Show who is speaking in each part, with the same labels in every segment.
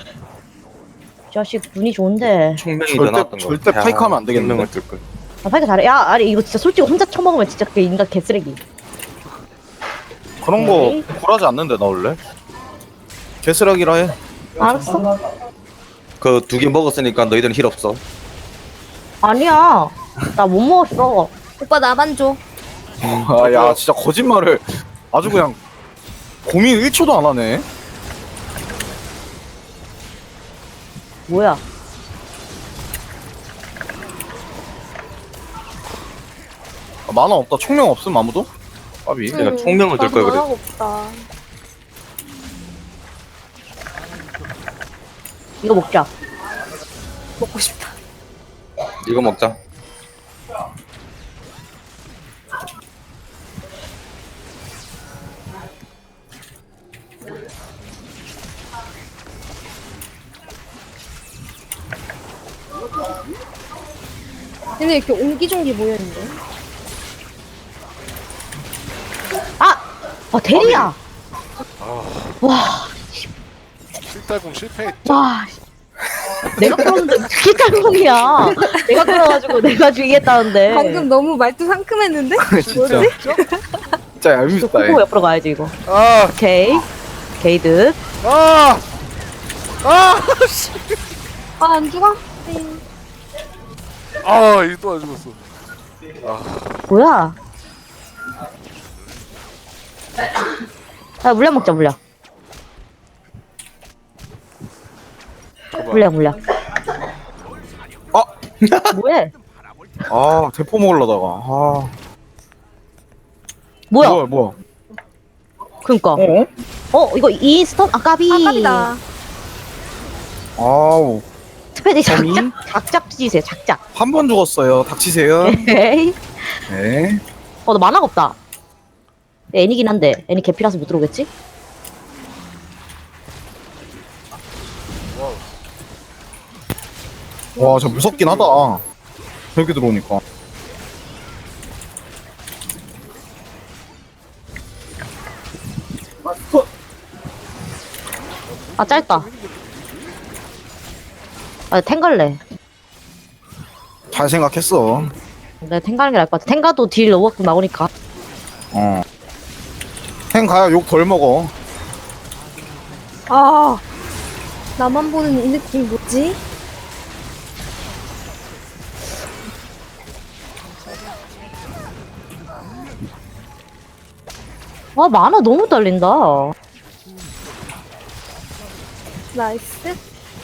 Speaker 1: 자식 눈이 좋은데.
Speaker 2: 총명이 더 나왔던 거.
Speaker 3: 절대 파이크하면 안 되겠는데.
Speaker 2: 총명을 뜰 걸.
Speaker 1: 아, 파이크 잘해. 야, 아니 이거 진짜 솔직히 혼자 처먹으면 진짜 그 인간 개쓰레기.
Speaker 3: 그런 거 굴하지 않는데 나 원래. 개쓰레기라 해.
Speaker 1: 알았어.
Speaker 2: 그 2개 먹었으니까 너희들은 힐 없어.
Speaker 1: 아니야. 나 못 먹었어.
Speaker 4: 오빠 나만 줘.
Speaker 3: 아, 야 진짜 거짓말을 아주 그냥 고민 1초도 안 하네.
Speaker 1: 뭐야?
Speaker 3: 아, 만화 없다. 총명 없음 아무도? 까비.
Speaker 2: 내가 총명을 뜰 걸 그랬어.
Speaker 4: 만화가 없다.
Speaker 1: 이거 먹자.
Speaker 4: 먹고 싶다.
Speaker 2: 이거 먹자.
Speaker 4: 근데 이렇게 옹기종기 모여있는데?
Speaker 1: 아! 아 대리야!
Speaker 5: 실달공 실패했죠.
Speaker 1: 와. 내가 끌었는데 그게 짤봉이야. 내가 끌어가지고 내가 죽이겠다는데.
Speaker 4: 방금 너무 말투 상큼했는데?
Speaker 3: 진짜. 진짜 얄밉다.
Speaker 1: 코코 옆으로 가야지 이거.
Speaker 5: 아,
Speaker 1: 오케이. 게이드.
Speaker 5: 아, 아, 씨.
Speaker 4: 아, 안 죽어? 네.
Speaker 5: 아, 이거 또 안 죽었어.
Speaker 1: 뭐야? 아 물량 먹자 물량. 물량.
Speaker 3: 아,
Speaker 1: 뭐해?
Speaker 3: 아 대포 먹으려다가. 아.
Speaker 1: 뭐야?
Speaker 3: 뭐야?
Speaker 1: 그니까. 이거 인스턴? 아 까비.
Speaker 4: 아깝이다.
Speaker 3: 아우.
Speaker 1: 스페디
Speaker 3: 점이?
Speaker 1: 작작 찢으세요 작작.
Speaker 3: 한 번 죽었어요. 닥치세요.
Speaker 1: 에이.
Speaker 3: 네.
Speaker 1: 나 만화가 없다. 애니긴 한데 애니 개피라서 못 들어오겠지?
Speaker 3: 와, 저 무섭긴 하다. 저렇게 들어오니까.
Speaker 1: 아 짧다. 아 탱갈래.
Speaker 3: 잘 생각했어.
Speaker 1: 내가 탱가는 게 나을 것 같아. 탱가도 딜 너무 나오니까.
Speaker 3: 어. 행 가야 욕 덜 먹어.
Speaker 4: 아, 나만 보는 이 느낌 뭐지?
Speaker 1: 아 만화 너무 딸린다.
Speaker 4: 나이스.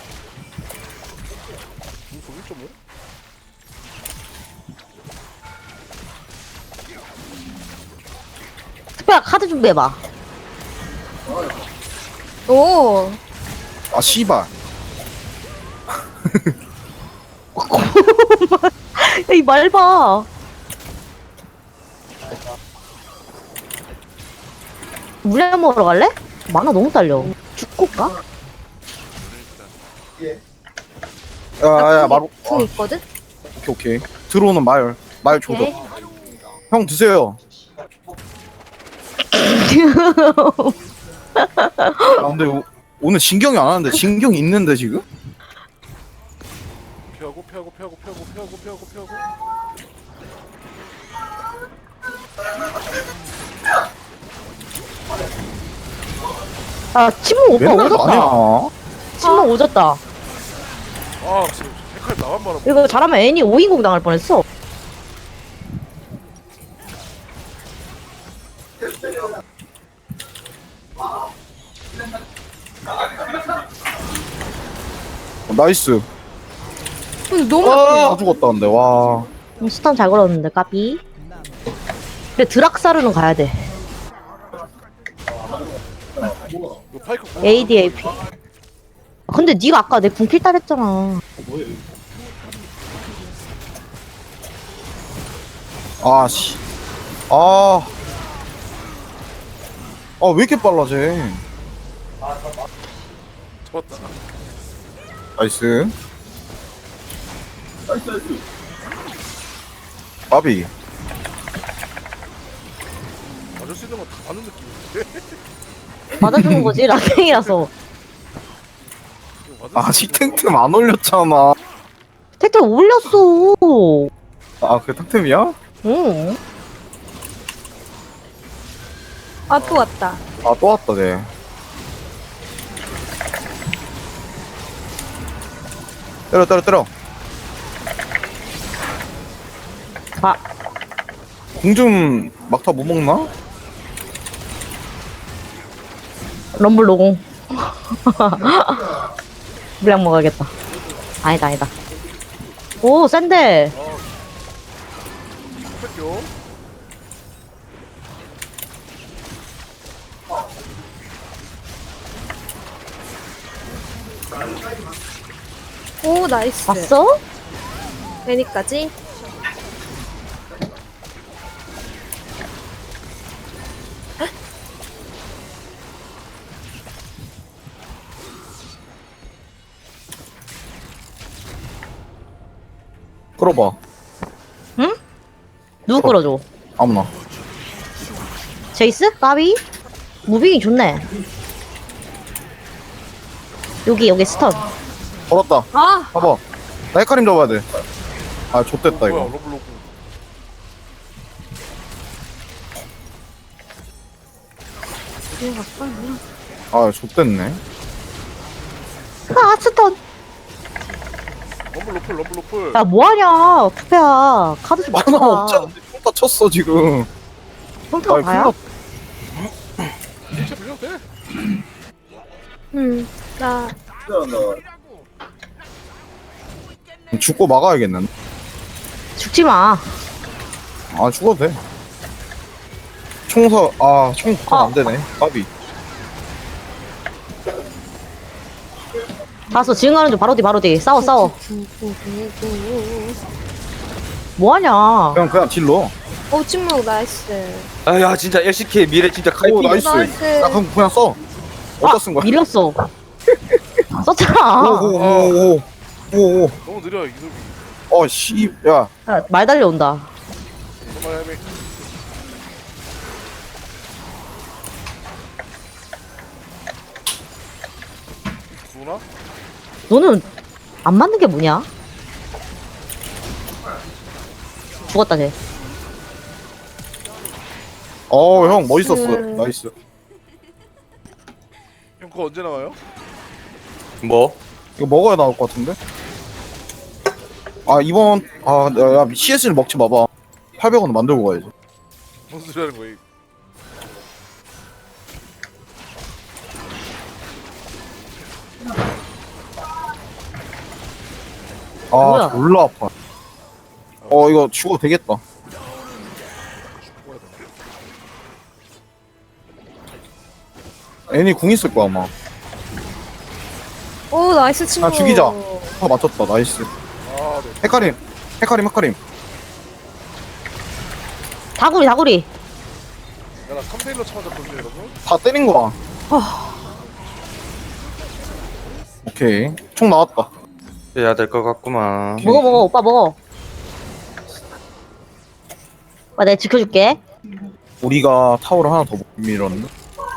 Speaker 1: 특별한 카드 준비해봐.
Speaker 4: 오,
Speaker 3: 아, 씨발.
Speaker 1: 이 말 봐. 물량 먹으러 갈래? 만화 너무 딸려. 죽고 가?
Speaker 3: 야, 마루.
Speaker 4: 궁 있거든?
Speaker 3: 오케이. 들어오는 말 줘줘.
Speaker 4: 오케이.
Speaker 3: 형 드세요. 아, 근데 오늘 진경이 안 하는데 진경이 있는데 지금?
Speaker 5: 피하고.
Speaker 1: 아 침묵 오빠
Speaker 3: 맨날
Speaker 1: 오졌다.
Speaker 3: 나냐?
Speaker 1: 침묵 오졌다.
Speaker 5: 아, 지금 색깔 나만 바라.
Speaker 1: 이거 잘하면 애니 5인공 당할 뻔했어.
Speaker 3: 나이스.
Speaker 4: 근데 너무
Speaker 3: 다 죽었다 근데 와.
Speaker 1: 스턴 잘 걸었는데 까비. 근데 드락사르는 가야 돼.
Speaker 5: 이거 파이크
Speaker 1: ADAP. 근데 네가 아까 내 궁필 따랬잖아.
Speaker 3: 아 씨. 아. 아 왜 이렇게 빨라 쟤.
Speaker 5: 잡았다.
Speaker 3: 나이스. 바비.
Speaker 5: 맞을 수 있는 건 다 맞는 느낌인데.
Speaker 1: 맞아주는 거지 라탱이라서.
Speaker 3: 아직 탱템 안 올렸잖아.
Speaker 1: 택배 올렸어.
Speaker 3: 아 그게 탱템이야?
Speaker 1: 응.
Speaker 4: 아, 또 왔다.
Speaker 3: 아 또 왔다 쟤. 때려.
Speaker 1: 아,
Speaker 3: 공중 막타 못 먹나?
Speaker 1: 럼블 노공. 물량 먹어야겠다. 아니다. 오, 센데.
Speaker 5: 뺄게요.
Speaker 4: 오, 나이스.
Speaker 1: 봤어?
Speaker 4: 애니까지.
Speaker 3: 끌어봐.
Speaker 1: 누구 끌어줘?
Speaker 3: 아무나.
Speaker 1: 제이스? 까비? 무빙이 좋네. 여기 스턴.
Speaker 3: 걸었다.
Speaker 4: 아,
Speaker 3: 봐봐. 나 헷갈림 잡아야 돼. 아 좆됐다
Speaker 5: 뭐야
Speaker 3: 이거.
Speaker 5: 러블로그.
Speaker 3: 아 좆됐네.
Speaker 1: 아, 스턴.
Speaker 5: 러블로플.
Speaker 1: 야, 뭐하냐. 투페야. 카드 좀
Speaker 3: 만화
Speaker 1: 맞춰라.
Speaker 3: 없잖아. 평타 쳤어 지금.
Speaker 1: 평타가
Speaker 3: 아이,
Speaker 1: 다야?
Speaker 5: 진짜 빌려도 돼?
Speaker 4: 나
Speaker 3: 죽고 막아야겠는데.
Speaker 1: 죽지 마.
Speaker 3: 아 죽어도 돼. 총사 총 안 되네. 까비.
Speaker 1: 봤어. 지금 가는 중 바로 뒤. 싸워. 뭐하냐.
Speaker 3: 그냥 딜러.
Speaker 4: 오, 침묵 나이스.
Speaker 2: 아야 진짜 LCK 미래 진짜
Speaker 3: 오
Speaker 2: 카이팅.
Speaker 3: 나이스.
Speaker 4: 나이스.
Speaker 3: 야 그럼 그냥 써. 어디다 쓴 거야?
Speaker 1: 밀렸어. 썼잖아.
Speaker 3: 오오오오오.
Speaker 5: 너무 느려 이놈이.
Speaker 3: 씨. 야.
Speaker 1: 야, 말 달려온다.
Speaker 5: 정말 헤매. 누나?
Speaker 1: 너는 안 맞는 게 뭐냐? 죽었다 쟤.
Speaker 3: 형 멋있었어.
Speaker 4: 나이스.
Speaker 3: 나이스.
Speaker 5: 형 그거 언제 나와요?
Speaker 2: 뭐?
Speaker 3: 이거 먹어야 나올 것 같은데? 이번 야 CS를 먹지 마봐. 800원 만들고 가야지.
Speaker 5: 무슨 소리 하는 거야?
Speaker 1: 뭐야?
Speaker 3: 졸라 아파. 이거 죽어도 되겠다. 애니 궁 있을 거야 아마.
Speaker 4: 오, 나이스 침묵.
Speaker 3: 죽이자. 맞췄다. 나이스.
Speaker 5: 아, 네.
Speaker 3: 헤카림.
Speaker 1: 다구리.
Speaker 5: 야, 나 3대1로 쳐맞았거든요, 여러분.
Speaker 3: 다 때린 거야. 오케이. 총 나왔다.
Speaker 2: 해야 될 것 같구만.
Speaker 1: 먹어. 오빠 먹어. 오빠 내가 지켜줄게.
Speaker 3: 우리가 타워를 하나 더 못 밀었네.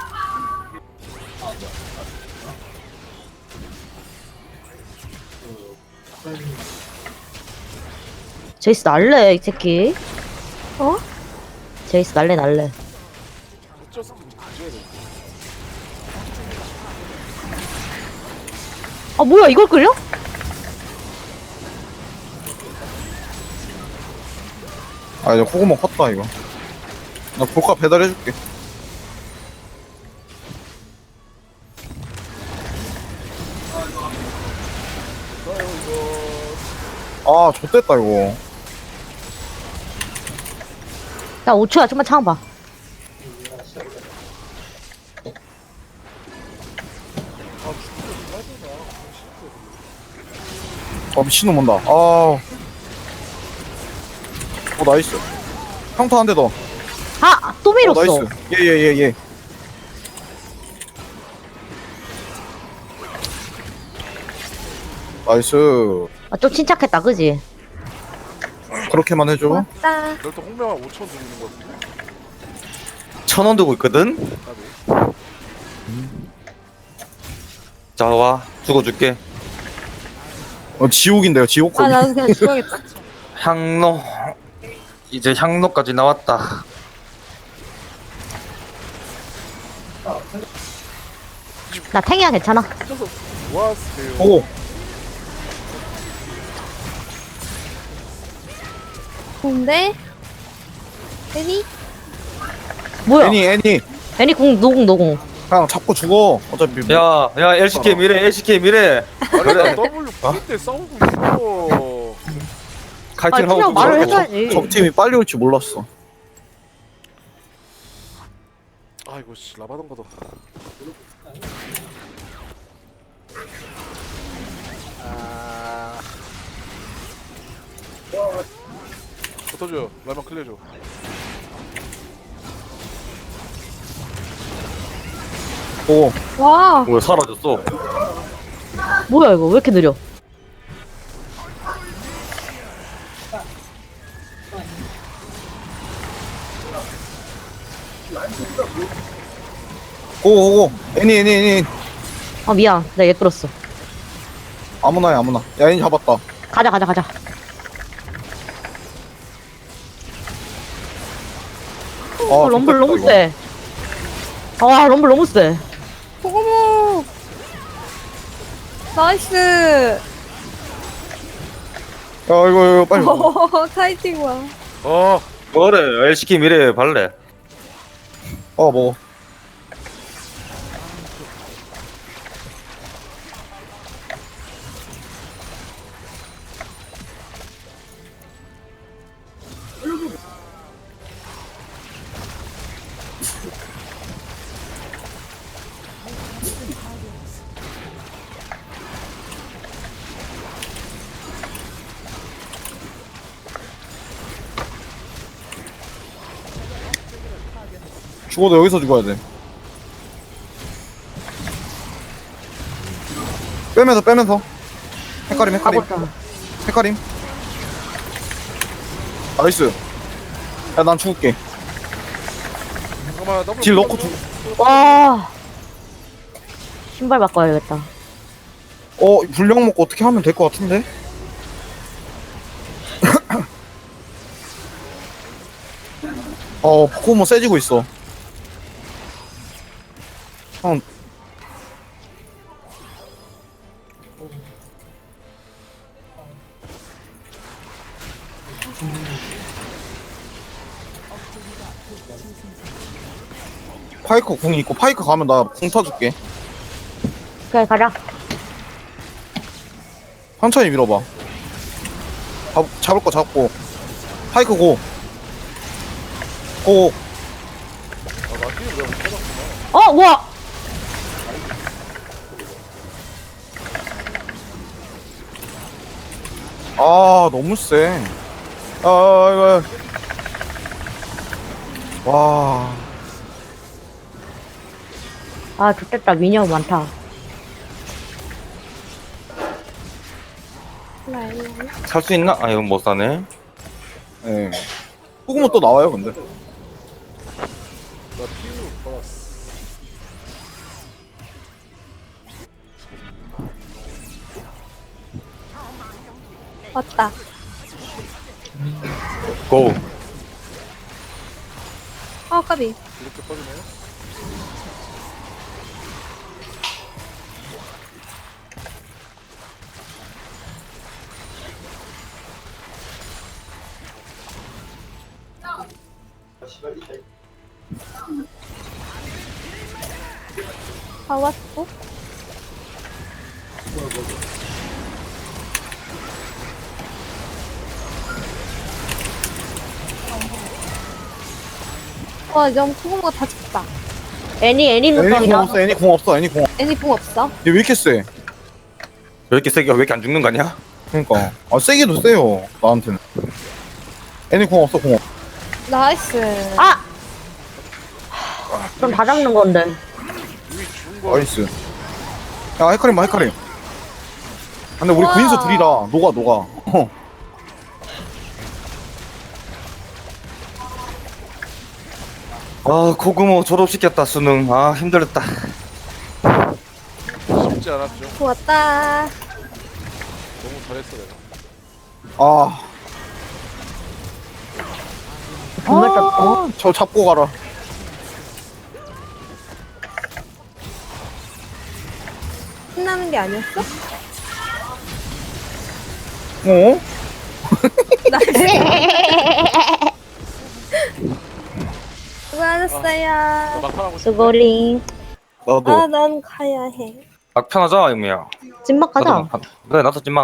Speaker 1: 제이스 날래 이 새끼.
Speaker 4: 어?
Speaker 1: 제이스 날래.
Speaker 5: 어쩔 수 없이 가져야 돼.
Speaker 1: 아 뭐야 이걸 끌려?
Speaker 3: 이제 코고모 컸다 이거. 나 볼카 배달해줄게. 좆됐다 이거.
Speaker 1: 야 5초야 좀만 참아봐.
Speaker 3: 미친놈 온다. 나이스. 평타 한 대 더.
Speaker 1: 또 밀었어.
Speaker 3: 나이스. 예. 나이스.
Speaker 1: 좀 침착했다 그지?
Speaker 3: 그렇게만 해줘.
Speaker 4: 왔다.
Speaker 5: 널또 홍명아 5천 드리는 거 같은데.
Speaker 2: 1,000원 들고 있거든.
Speaker 5: 나도.
Speaker 2: 자 와 죽어줄게.
Speaker 3: 지옥인데요, 지옥
Speaker 4: 아
Speaker 3: 거미.
Speaker 4: 나도 그냥 죽어야겠다.
Speaker 2: 향로. 이제 향로까지 나왔다.
Speaker 1: 나 탱이야 괜찮아.
Speaker 5: 어쩌서 좋았어요.
Speaker 3: 보고.
Speaker 4: 근데 애니
Speaker 1: 뭐야?
Speaker 3: 애니.
Speaker 1: 애니 공 노공 노공.
Speaker 3: 그냥 잡고 죽어. 어차피. 뭐.
Speaker 2: 야, LCK 미래, LCK 미래.
Speaker 5: 아니
Speaker 2: 그래.
Speaker 5: 나 W V때 싸우고 있어.
Speaker 2: 카이팅
Speaker 1: 그냥
Speaker 2: 하고
Speaker 1: 말을
Speaker 2: 죽어.
Speaker 1: 해줘야지.
Speaker 3: 적팀이 빨리 올 줄 몰랐어.
Speaker 5: 아이고 씨 라바던 거다. 붙어줘. 라면 클리어줘.
Speaker 3: 보고.
Speaker 4: 와
Speaker 2: 뭐야, 사라졌어.
Speaker 1: 뭐야 이거 왜 이렇게 느려?
Speaker 3: 고고고. 애니.
Speaker 1: 아 미안. 내가 얘 끌었어.
Speaker 3: 아무나 해, 아무나. 야, 애니 잡았다.
Speaker 1: 가자.
Speaker 3: 아,
Speaker 1: 럼블
Speaker 3: 좋겠다,
Speaker 1: 너무
Speaker 3: 이거.
Speaker 1: 세. 아 럼블 너무 세.
Speaker 4: 고고모 나이스.
Speaker 3: 야, 이거 빨리.
Speaker 4: 타이팅 와.
Speaker 5: 어.
Speaker 2: 뭐래, LCK 미래 발레.
Speaker 3: 먹어. 죽어도 여기서 죽어야 돼. 빼면서. 헷갈림.
Speaker 1: 가고 있다.
Speaker 3: 헷갈림. 나이스. 야, 난 죽을게.
Speaker 5: 잠깐만 W
Speaker 3: 딜 넣고
Speaker 1: 와. 신발 바꿔야겠다.
Speaker 3: 불량 먹고 어떻게 하면 될 것 같은데? 포코모 세지고 있어. 파이크 궁 있고 파이크 가면 나 궁 타줄게.
Speaker 1: 그래 가자.
Speaker 3: 천천히 밀어봐. 잡을 거 잡고. 파이크 고.
Speaker 5: 아나 게임 내가 못 찾았구나.
Speaker 1: 뭐야?
Speaker 3: 너무 세. 이거. 와.
Speaker 1: 아 좋겠다. 미니언 많다.
Speaker 2: 살 수 있나? 아, 이건 못 사네.
Speaker 3: 예. 포그모 또 나와요, 근데.
Speaker 5: 나 피우 받았어.
Speaker 4: 왔다.
Speaker 2: 고.
Speaker 4: 아 까비.
Speaker 5: 이렇게 빠지네.
Speaker 4: 다 왔어. 와 이제 고구마가 다 죽다.
Speaker 1: 애니
Speaker 3: 애니 궁
Speaker 1: 눈덩이다.
Speaker 3: 없어, 애니 궁 없어, 애니 궁.
Speaker 4: 애니 붕 없어?
Speaker 3: 얘 왜 이렇게 세?
Speaker 2: 왜 이렇게 세게, 왜 이렇게 안 죽는 거 아니야?
Speaker 3: 그러니까. 세기도 세요, 나한테는. 애니 궁 없어, 궁 없어.
Speaker 4: 나이스.
Speaker 1: 아! 그럼 다 잡는 건데.
Speaker 5: 이미 죽은 거.
Speaker 3: 나이스. 야, 헤카림 봐, 헤카림. 근데 우리
Speaker 4: 우와.
Speaker 3: 구인수 둘이라, 녹아.
Speaker 2: 아, 코그모 졸업시켰다, 수능. 아, 힘들었다.
Speaker 5: 쉽지 않았죠.
Speaker 4: 좋았다.
Speaker 5: 너무 잘했어 내가.
Speaker 3: 아,
Speaker 1: 정말 짰어.
Speaker 3: 저 잡고 가라.
Speaker 4: 신나는 게 아니었어?
Speaker 3: 어?
Speaker 4: 나이스.
Speaker 5: 나
Speaker 4: 수고하셨어요.
Speaker 5: 막판하고 싶은데.
Speaker 1: 수고링.
Speaker 3: 나도.
Speaker 4: 아, 난 가야 해.
Speaker 2: 막편하자, 영미야.
Speaker 1: 찐막 가자.
Speaker 2: 그래, 나도 찐막.